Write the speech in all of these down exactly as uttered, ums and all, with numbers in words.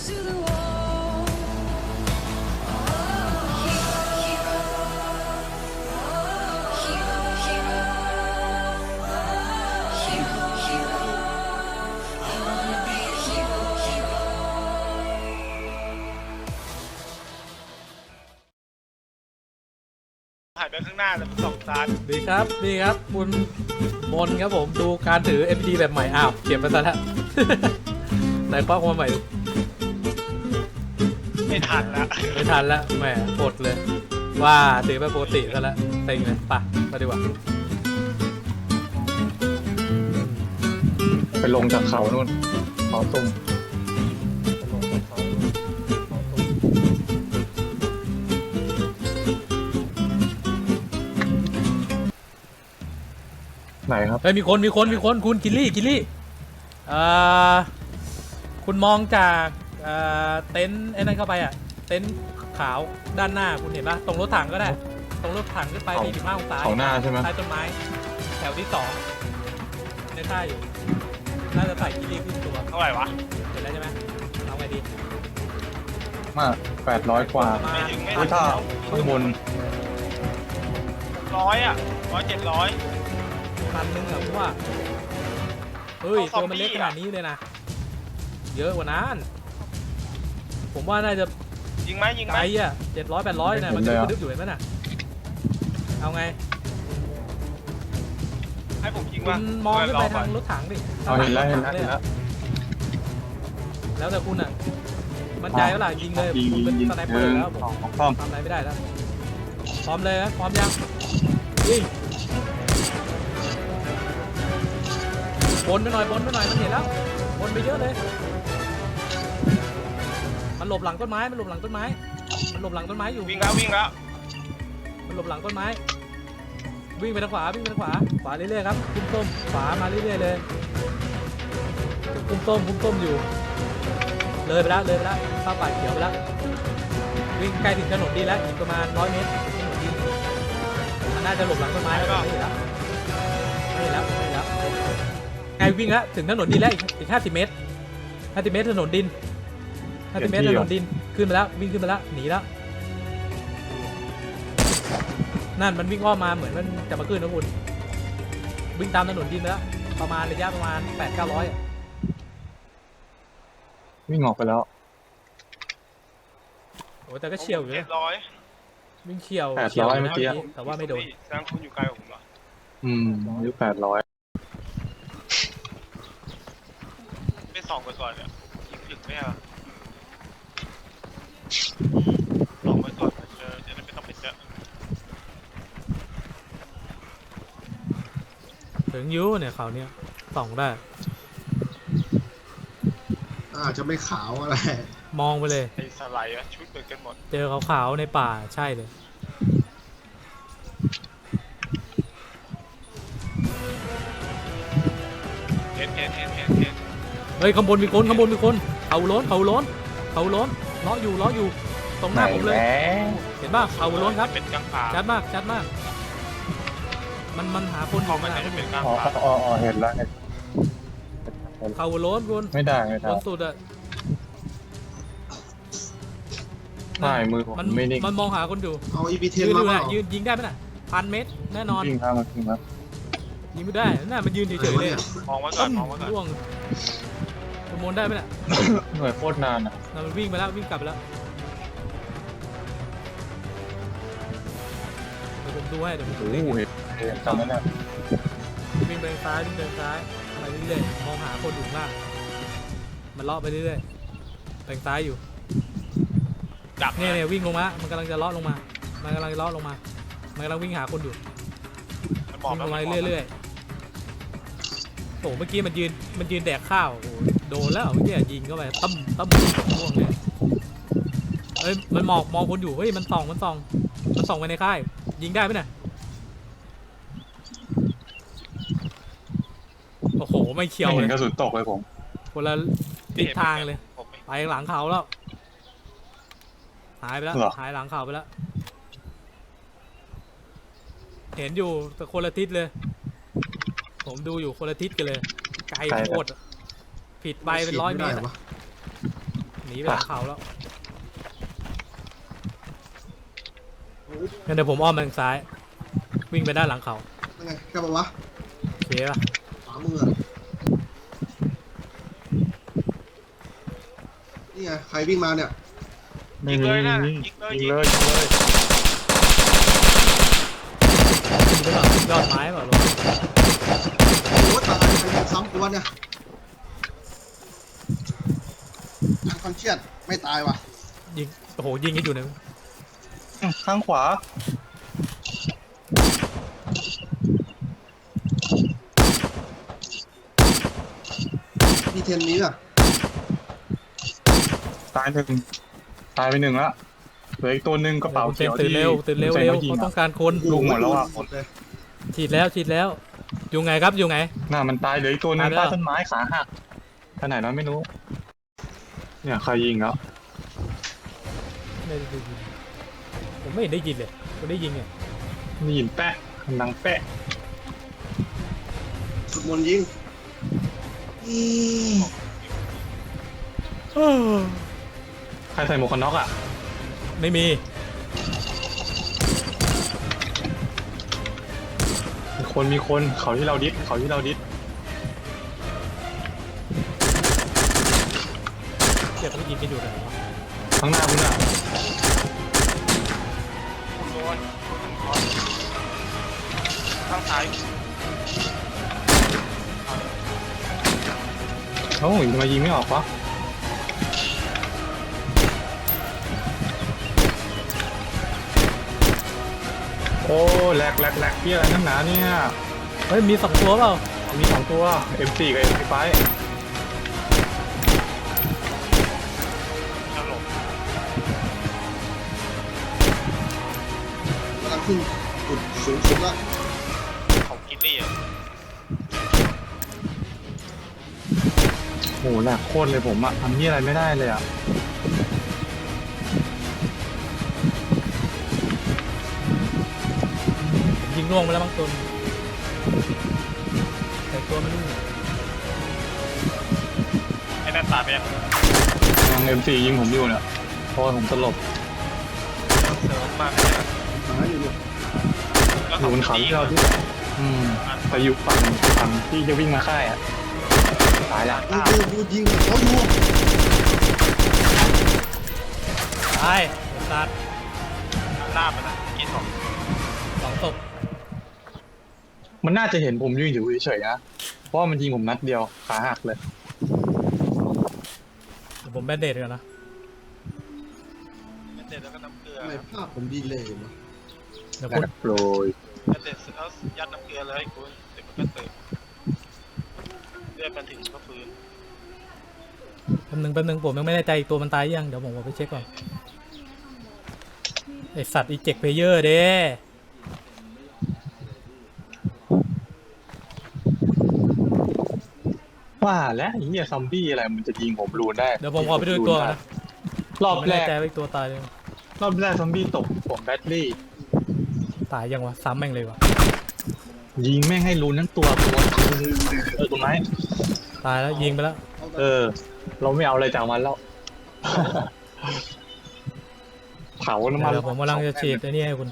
หายไปข้างหน้าแล้วสองตาดีครับดีครับคุณมนครับผมดูการถือ เอ็ม พี ดี แบบใหม่อ้าวเก็บไปซะแล้ว ไหนคว้าความใหม่ไม่ทันแล้วไม่ทันแล้วแหมปลดเลยว่าถือไปปกติซะแล้วเต็งเลยไปมาดีกว่าไปลงจากเขานู่นเขาตุ้มไหนครับเฮ้ยมีคนมีคนมีคนคุณกิลลี่กิลลี่เอ่อคุณมองจากเอ่อเต็นท์ไอ้นั่นเข้าไปอ่ะเต็นท์ขาวด้านหน้าคุณเห็นปะตรงรถถังก็ได้ตรงรถถังขึ้นไปสี่สิบห้าองศาเขาหน้าใช่ไหมใต้ต้นไม้แถวที่สองในท่าอยู่น่าจะใส่กิลลี่ขึ้นตัวเท่าไหร่วะเห็นแล้วใช่ไหมเอาไงดีมากแปดร้อยกว่าไม่ถึงไม่ถึงถ้าข้างบนร้อยอ่ะร้อยเจ็ดร้อยพันหนึ่งเหรอว่าเฮ้ยตัวมันเล็กขนาดนี้เลยนะเยอะกว่านั้นผมว่าน่าจะยิงไหมยิงไหมไกลอ่ะเจ็ดร้อยแปดร้อยนะมันจะดึกอยู่เห็นไหมน่ะเอาไงให้ผมยิงคุณมองขึ้นไปทางรถถังดิเห็นแล้วเห็นแล้วเห็นแล้วแล้วแต่คุณอ่ะมั่นใจว่าล่ะยิงเลยผมเป็นสไนเปอร์แล้วผมทำอะไรไม่ได้แล้วพร้อมเลยนะพร้อมยังยิงบนไปหน่อยบนไปหน่อยมันเห็นแล้วบนไปเยอะเลยมันหลบหลังต้นไม้มันหลบหลังต้นไม้มันหลบหลังต้นไม้อยู่วิ่งแล้ววิ่งแล้วมันหลบหลังต้นไม้วิ่งไปทางขวาวิ่งไปทางขวาขวาเรื่อยๆครับคุ้มต้มขวามาเรื่อยๆเลยคุ้มต้มคุ้มต้มอยู่เลยไปแล้วเลยไปแล้วเข้าป่าเขียวไปแล้ววิ่งใกล้ถึงถนนดีแล้วอีกประมาณร้อยเมตรถนนดีมันน่าจะหลบหลังต้นไม้แล้วไม่เห็นแล้วไม่เห็นแล้วไม่เห็นแล้วไงวิ่งแล้วถึงถนนดินแล้วอีกห้าสิบเมตรห้าสิบเมตรถนนดินห้าสิบเมตรถนนดินขึ้นมาแล้ววิ่งขึ้นมาแล้วหนีแล้วนั่นมันวิ่งอ้อมมาเหมือนมันจะมาขึ้นนะคุณวิ่งตามถนนดินแล้วประมาณระยะประมาณแปดเก้าร้อยวิ่งออกไปแล้วโอ้แต่ก็เฉียวอยู่เลยวิ่งเฉียวแปดร้อยเมื่อกี้แต่ว่าไม่โดนแสดงคุณอยู่ไกลกว่าผมเหรออืมอายุแปดร้อยไปส่องไปก่อนเนี่ยยิงถึงไหมอ่ะส่องไปก่อนเจอจะได้ไม่ต้องไปเจอถึงยูเนี่ยเขาเนี่ยส่องได้อาจจะไม่ขาวอะไรมองไปเลยไอ้สไลด์ชุดเหมือนกันหมดเจอขาวๆในป่าใช่เลยเห็นเห็นเห็นเห็นเห็นเฮ้ยข้างบนมีคนข้างบนมีคนเขาล้นเขาล้นเขาล้นล้ออยู่ล้ออยู่ตรงหน้าผมเลยเห็นป่ะเขาล้นครับชัดมากชัดมากมันมันหาคนของมันเป็นกลางป่าอ๋ออ๋อเห็นแล้วเขาล้นคุณไม่ได้ไม่ได้ล้นสุดอะใช่มือผมไม่นิ่งมันมองหาคนอยู่เอาอีพีเทนมาเปล่ายืนยิงได้ไหมน่ะพันเมตรแน่นอนยิงครับยิงครับยิงไม่ได้น่ามันยืนเฉยๆเลยมองไว้ก่อนมองไว้ก่อนร่วงขโมยได้ไหมน่ะหน่วยโคตรนานอ่ะมันวิ่งไปแล้ววิ่งกลับไปแล้วเดี๋ยวผมดูให้เดี๋ยวผมดูเห็นเห็นจำได้แล้ววิ่งไปซ้ายวิ่งไปซ้ายไปเรื่อยๆมองหาคนอยู่ข้างล่างมันเลาะไปเรื่อยๆไปซ้ายอยู่เนี่ยเนี่ยวิ่งลงมามันกำลังจะเลาะลงมามันกำลังจะเลาะลงมามันกำลังวิ่งหาคนอยู่วิ่งลงมาเรื่อยๆโอ้เมื่อกี้มันยืนมันยืนแดกข้าวโอ้โดนแล้วเมื่อกี้ยิงเข้าไปตั้มตั้มม่วงเลยเอ้ยมันมองมองคนอยู่เฮ้ยมันส่องมันส่องมันส่องไปในค่ายยิงได้ไหมเนี่ยโอ้โหไม่เขียวเลยกระสุนตกเลยผมคนละทิศทางเลยไปหลังเขาแล้วหายไปแล้วหายหลังเขาไปแล้วเห็นอยู่แต่คนละทิศเลยผมดูอยู่คนละทิศกันเลยไกลโคตรผิดไปเป็นร้อยเมตรหนีไปหลังเขาแล้วงั้นเดี๋ยวผมอ้อมไปทางซ้ายวิ่งไปด้านหลังเขายังไงแค่ปะวะโอเคป่ะขวามืออะนี่ไงใครวิ่งมาเนี่ยยิงเลยนะยิงเลยยิงเลยยิงเลยยิงไปก่อนยอดไม้เปล่าลงโอ้ตายใครยิงซ้ำกูวะเนี่ยอันคอนเชียดไม่ตายว่ะยิงโอ้โหยิงกันอยู่เนี่ยข้างขวามีเทนนี้อ่ะตายหนึ่งตายไปหนึ่งละเหลืออีกตัวหนึ่งกระเป๋าเต็เขีมยวตื่นเร็วตื่นเร็วเร็วเขาต้องการคนลูกหมดแล้วอ่ะหมดเลยฉีดแล้วฉีดแล้วอยู่ไงครับอยู่ไงน่ามันตายเหลืออีกตัวหนึงตายไปแล้วใต้ต้นไม้ขาหักท่าไหนแล้วไม่รู้เนี่ยใครยิงแล้วไม่ได้ยินผมไม่เห็นได้ยินเลยผมได้ยินไงได้ยินแปะดังแปะสุดมนต์ยิงใครใส่หมวกกันน็อกอ่ะไม่มีมีคนมีคนเขาที่เราดิสเขาที่เราดิสเดี๋ยวเขายิงกันอยู่ไหนวะข้างหน้าคุณอ่ะโดนข้างซ้ายเอ้าทำไมยิงไม่ออกวะโอ้แหลกแหลกแหลกเพี้ยอะไรนั่นหนาเนี่ยเฮ้ยมีสองตัวเปล่ามีสองตัว เอ็ม โฟร์ กับ เอ็ม ไฟว์ตลกกำลังขึ้นจุดสูงสุดแล้วของกินนี่อ่ะโหแหลกโคตรเลยผมอะทำที่อะไรไม่ได้เลยอะยิงล่วงไปแล้วบางตัวแต่ตัวไม่รู้ไอ้นั่นตายไปยังยัง เอ็ม โฟร์ ยิงผมอยู่เนี่ยเพราะว่าผมสลบเสริมมาไม่ได้หาอยู่เนี่ยแล้วอยู่บนเขาที่เราที่อืมไปอยู่ฝั่งฝั่งที่จะวิ่งมาค่ายอะตายละกูกูกูยิงเขาอยู่ตายตัดลาบมันนะกินของสองศพมันน่าจะเห็นผมยืนอยู่เฉยๆนะเพราะว่ามันยิงผมนัดเดียวขาหักเลยเดี๋ยวผมแบนเดดก่อนนะเด็ดแล้วก็น้ำเกลือทำไมภาพผมดีเลยวะเดี๋ยวแล้คุณวโปรยเด็ดแล้วยัดน้ำเกลือเลยคุณเดี๋ยวมันก็ตื่นเลือดมันถึงก็ฟื้นแป๊บนึงแป๊บนึงผมยังไม่แน่ใจอีกตัวมันตายยังเดี๋ยวผมเอาไปเช็คก่อนไอสัตว์อีเจ็กเพเยอร์เด้ว่าแล้วไอ้เหี้ยซอมบี้อะไรมันจะยิงผมรูนได้เดี๋ยวผมขอไปดูอีกตัวก่อนนะรอบผมไม่แรแน่กใจว่าอีกตัวตายเลยงรอบแรกซอมบี้ตกผมแบตเตอรี่ตายยังวะซ้ำแม่งเลยวะยิงแม่งให้รูนทั้งตัวตัวเออตัวไหมตายแล้วยิงไปแล้วเออ เราไม่เอาอะไรจากมันแล้ว เผาน้ำมันเดี๋ยวผมกำลังจะฉีดไอ้นี่ให้คุณ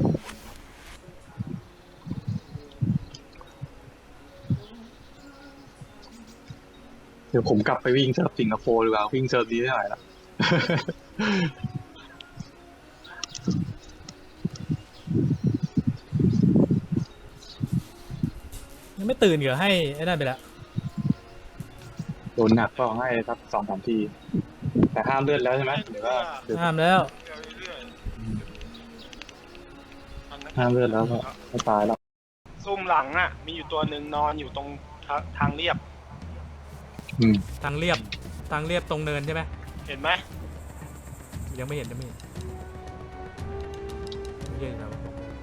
เดี๋ยวผมกลับไปวิ่งเซิร์ฟสิงคโปร์ดีกว่าวิ่งเซิร์ฟนี้ได้ไหมล่ะยังไม่ตื่นเหรอให้ไอ้นั่นไปแล้วโดนหนักก็ให้สักสองสามที แต่ห้ามเลือดแล้วใช่ไหมหรือว่าหรือห้ามแล้วเรื่อยๆห้ามเลือดแล้วก็ไม่ตายแล้วซุ่มหลังอ่ะ มีอยู่ตัวหนึ่งนอนอยู่ตรงทาทางเรียบอืมทางเรียบทางเรียบตรงเนินใช่ไหมเห็นไหมยังไม่เห็นยังไม่เห็นไม่เห็นครับ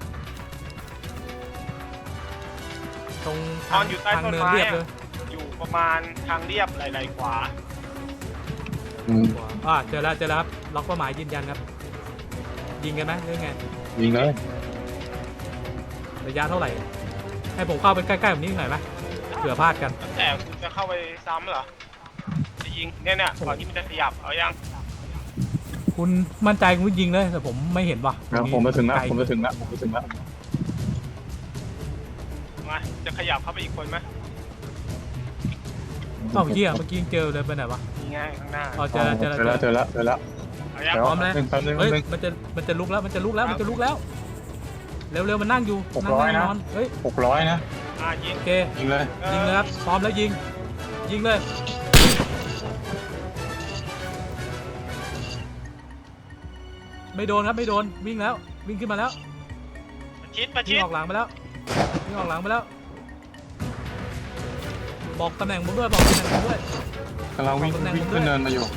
ตรงนทาอง นอยู่ใต้ทางต้นเนินไม้เรียบอะเลยอยู่ประมาณทางเรียบไหลๆขวาอืมอ่าเจอแล้วเจอแล้วครับล็อกเป้าหมายยืนยันครับ ยิงกันไหมหรือไงยิงเลยระยะเท่าไหร่ ให้ผมเข้าไปใกล้ๆแบบนี้หน่อยไหมเผื่อพลาดกันแต่คุณจะเข้าไปซ้ำเหรอ ได้ยิงเนี่ยเนี่ยก่อนที่มันจะขยับเอายังคุณมั่นใจคุณยิงเลยแต่ผมไม่เห็นว่ะแล้วผมมาถึงแล้วไกลผมมาถึงแล้วผมมาถึงแล้วมาจะขยับเข้าไปอีกคนไหมเอ้าเหี้ยเมื่อกี้ยังเจอเลยไปไหนวะนี่ไงข้างหน้าอ๋อเจอแล้วเจอแล้วเจอแล้วเจอแล้วเจอแล้วเอายังเดี๋ยวพร้อมแล้วหนึ่งแป๊บนึงเฮ้ยแป๊บนึงมันจะมันจะลุกแล้วมันจะลุกแล้วมันจะลุกแล้วเร็วๆมันนั่งอยู่หกนั่งร้อยนั่งนะนอนเฮ้ยหกร้อยนะอ่ายิงโอเคยิงเลยยิงเลยครับพร้อมแล้วยิงยิงเลยไม่โดนครับไม่โดนวิ่งแล้ววิ่งขึ้นมาแล้วประชิดประวิ่ชิงดออกหลังไปแล้ววิ่งออกหลังไปแล้วบอกตำแหน่งผมด้วยบอกตำแหน่งผมด้วยกำลังวิ่งขอบคุณนะวิ่งขึ้นเนินมาอยู่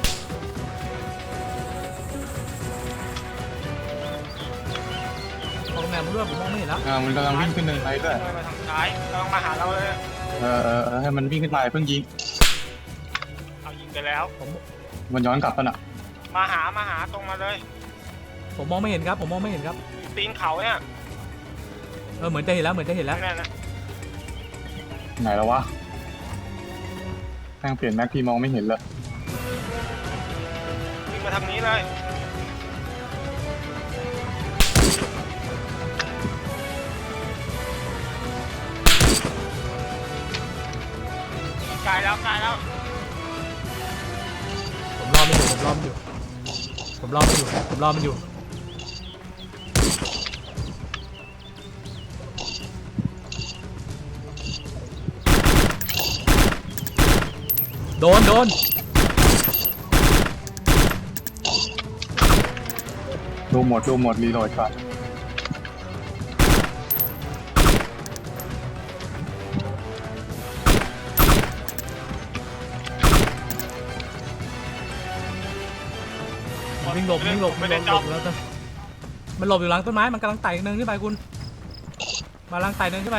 บอกตำแหน่งผมด้วยผมมองไม่เห็นแล้วอ่ามันกำลังวิ่งขึ้นเนินไปด้วยเดินมาทางซ้ายกำลังมาหาเราเลยเออเออเออให้มันวิ่งขึ้นมาเพิ่งยิงเอายิงไปแล้วผมมันย้อนกลับกันอ่ะมาหามาหาตรงมาเลยผมมองไม่เห็นครับผมมองไม่เห็นครับตีนเขาเนี่ยเออเหมือนจะเห็นแล้วเหมือนจะเห็นแล้วนั่นนะไหนแล้ววะแม่งเปลี่ยนแม็กพี่มองไม่เห็นเลยวิ่งมาทางนี้เลยไกลแล้วไกลแล้วผมรอมันอยู่ผมรอมันอยู่ผมรอมันอยู่ผมรอมันอยู่โดนโดนดูหมดดูหมดรีโหลดก่อนวิ่งหลบวิ่งหลบไม่วิ่งหลได้บจหลอบบแล้วต้นมันหลบอยู่หลังต้นไม้มันกำลังไต่เนินขึ้นไปคุณมาลังไต่เนินขึ้นไป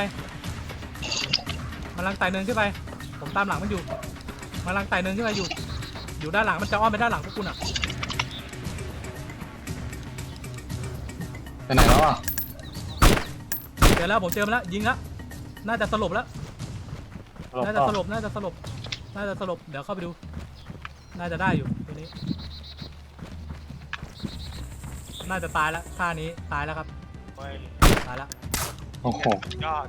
มาลังไต่เนินขึ้นไปผมตามหลังมันอยู่มาลังไต่เนินขึ้นไปอยู่อยู่ด้านหลังมันจะอ้อมไปด้านหลังพวกคุณอ่ะไปไหนแล้วอ่ะเจอแล้วผมเจอมันแล้วยิงแล้วน่าจะสลบแล้วน่าจะสลบน่าจะสลบน่าจะสลบเดี๋ยวเข้าไปดูน่าจะได้อยู่ตัวนี้น่าจะตายแล้วท่านี้ตายแล้วครับเฮ้ยตายแล้วโอ้โหยอด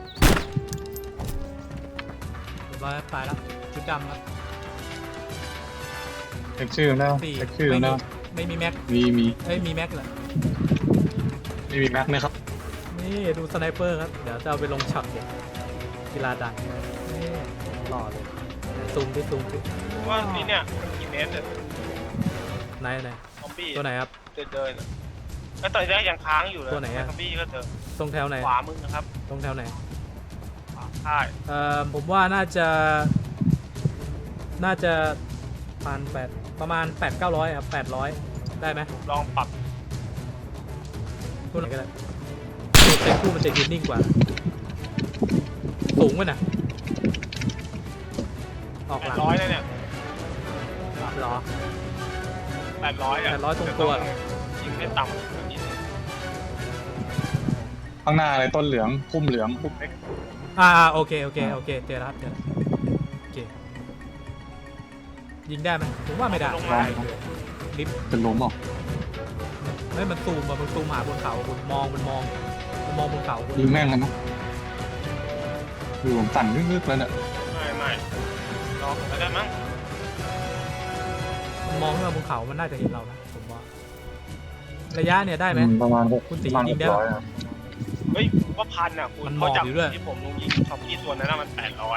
เรียบร้อยครับตายแล้วชุดดำครับเช็คชื่อแล้วสี่เช็คชื่อไม่มีแล้วไม่มีแม็กมีมีเอ้ยมีแม็กเหรอไม่มีแม็กไหมครับนี่ดูสไนเปอร์ครับเดี๋ยวจะเอาไปลงช็อตเด็กกีฬาดันนี่หล่อเลยซูมที่ซูมที่ว่านี่เนี่ยกี่เมตรเนี่ยไหนไหนซอมบี้ตัวไหนครับเดินเดินอะแล้วตอนแรกยังค้างอยู่เลยตัวไหนอะซอมบี้ก็เดินตรงแถวไหนขวามึงนะครับตรงแถวไหนขวาใช่เอ่อผมว่าน่าจะน่าจะพันแปดประมาณแปดเก้าร้อยครับแปดร้อยได้ไหมลองปรับตัวไหนก็ได้ตัวเต็มคู่มันจะยืนนิ่งกว่า สูงกว่าน่ะออกแปหดลังร้อยเลยเนี่ยหรอแปดร้อยอะแปดร้อยตรงตัวยิงได้ต่ำกว่านิดนึงข้างหน้าเลยต้นเหลืองพุ่มเหลืองพุ่มเล็กอ่าโอเคโอเคโอเคเจอแล้วครับเจอแล้วโอเคยิงได้ไหมผมว่าไม่ได้ลงมาลิฟต์เป็นล้มเหรอไม่มันซูมอะมันซูมหาบนเขาคุณมองมันมองมันมองบนเขาคุณยิงแม่งเลยนะดูผมสั่นลึกๆแล้วเนี่ยไม่ไม่ลองก็ได้มั้งมันมองขึ้นมาบนเขามันน่าจะเห็นเรานะผมว่าระยะเนี่ยได้ไหมอืประมาณหกคุณตีประมาณยิหงกได้ร้ปะอยครับเฮ้ยว่าพันอ่ะคุณมันหมเขาอบจับอยู่ด้วยที่ผมลงยิงซอมบี้ตัวนั้นนะมันแปดร้อย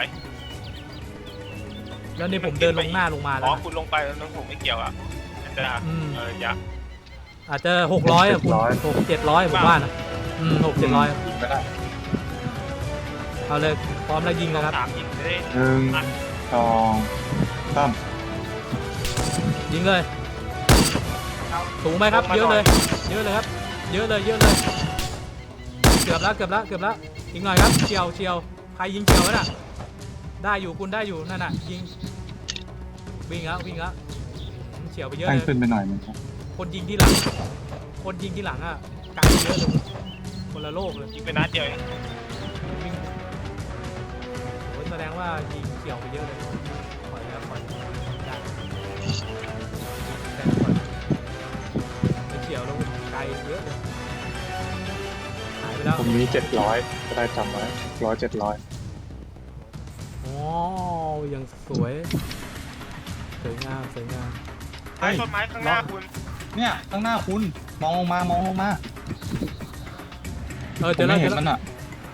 แล้วนี่ผมเดินลงหน้าลงมาแล้อ๋วอนะคุณลงไปแล้วน้องผมไม่เกี่ยวอ่ะอาจจะอืมเอออย่าอาจจะหกร้อยอะคุณหกเจ็ดร้อยผมว่านะอืมหกเจ็ดร้อยยิงก็ได้เอาเลยพร้อมแล้วยิงนะครับสามยิงได้หนึ่งสองสามยิงเลยสูงไหมครับเยอะเลยเยอะเลยครับเยอะเลยเยอะเลยเกือบแล้วเกือบแล้วเกือบแล้วอีกหน่อยครับเฉียวเฉียวใครยิงเฉียวไว้น่ะได้อยู่คุณได้อยู่นั่นน่ะยิงวิ่งแล้ววิ่งแล้วเฉียวไปเยอะแป้งเลยขึ้นไปหน่อยนึงครับคนยิงที่หลังคนยิงที่หลังอ่ะไกลเยอะเลยคนละโลกเลยยิงไปนัดเดียวเองวิ่งโอ้ยแสดงว่ายิงเฉียวไปเยอะเลยปล่อยแล้วปล่อยมีเจ็ดร้อยก็ได้จำไว้ร้อยเจ็ดร้อยอ๋อยังสวยสวยงามสวยงามไม้ต้นไม้ข้างหน้าคุณเนี่ยข้างหน้าคุณมองลงมามองลงมาเออผเจอมแล้วไม่เจเห็อน แล้วมันอ่ะ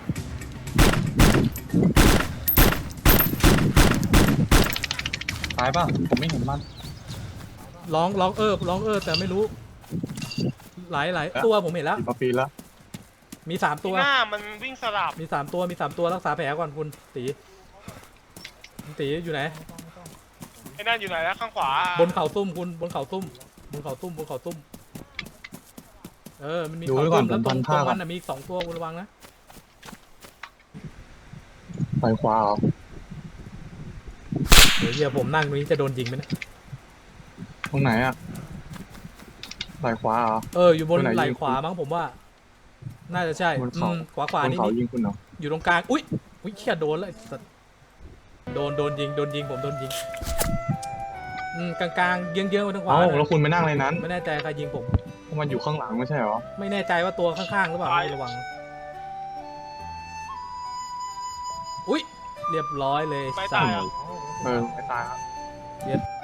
ตายป่ะผมไม่เห็นมันร้องร้องเออร้องเออแต่ไม่รู้ หลายหลายตัวผมเห็นแล้วกี่ปีแล้วมีสามที่ตัวหน้ามันวิ่งสลับมีสามตัวมีสามตัวรักษาแผลก่อนคุณตีคุณตีอยู่ไหนไอ้นั่นอยู่ไหนแล้วข้างขวาบนเขาตุ้มคุณบนเขาตุ้มบนเขาตุ้มบนเขาตุ้มเออมันมีดูเขาไว้ก่อตุ้นมผแล้วมตรงพันตรผ้าง ก่มัอนนน่ะมีอีกสองตัวคุณระวังนะไปขวาเหรอเดี๋ยวเดี๋ยวผมนั่งตรงนี้จะโดนยิงไหมเนะตรงไหนอ่ะไปขวาเหรอเอออยู่บนตรงไหนไหล่ยิงขวามั้งผมว่า น่าจะใช่บนอืเขามขวาขวาบนนี่เขานี่ยิงคุณเหรออยู่ตรงกลางอุ้ยอุ้ยเขี้ยโดนเลยไอ้สัสโดนโดนยิงโดนยิงผมโดนยิงอืมกลางกลางๆเยื้องเยื้องๆไปทางขวาเอ้าน่ะแล้วคุณไปนั่งในนั้นไม่แน่ใจใครยิงผมมันอยู่ข้างหลังไม่ใช่เหรอไม่แน่ใจว่าตัวข้างๆหรือเปล่าระวังอุ้ยเรียบร้อยเลยไม่สัตาตยว์อ่ะเออไม่ตายครับเย็ด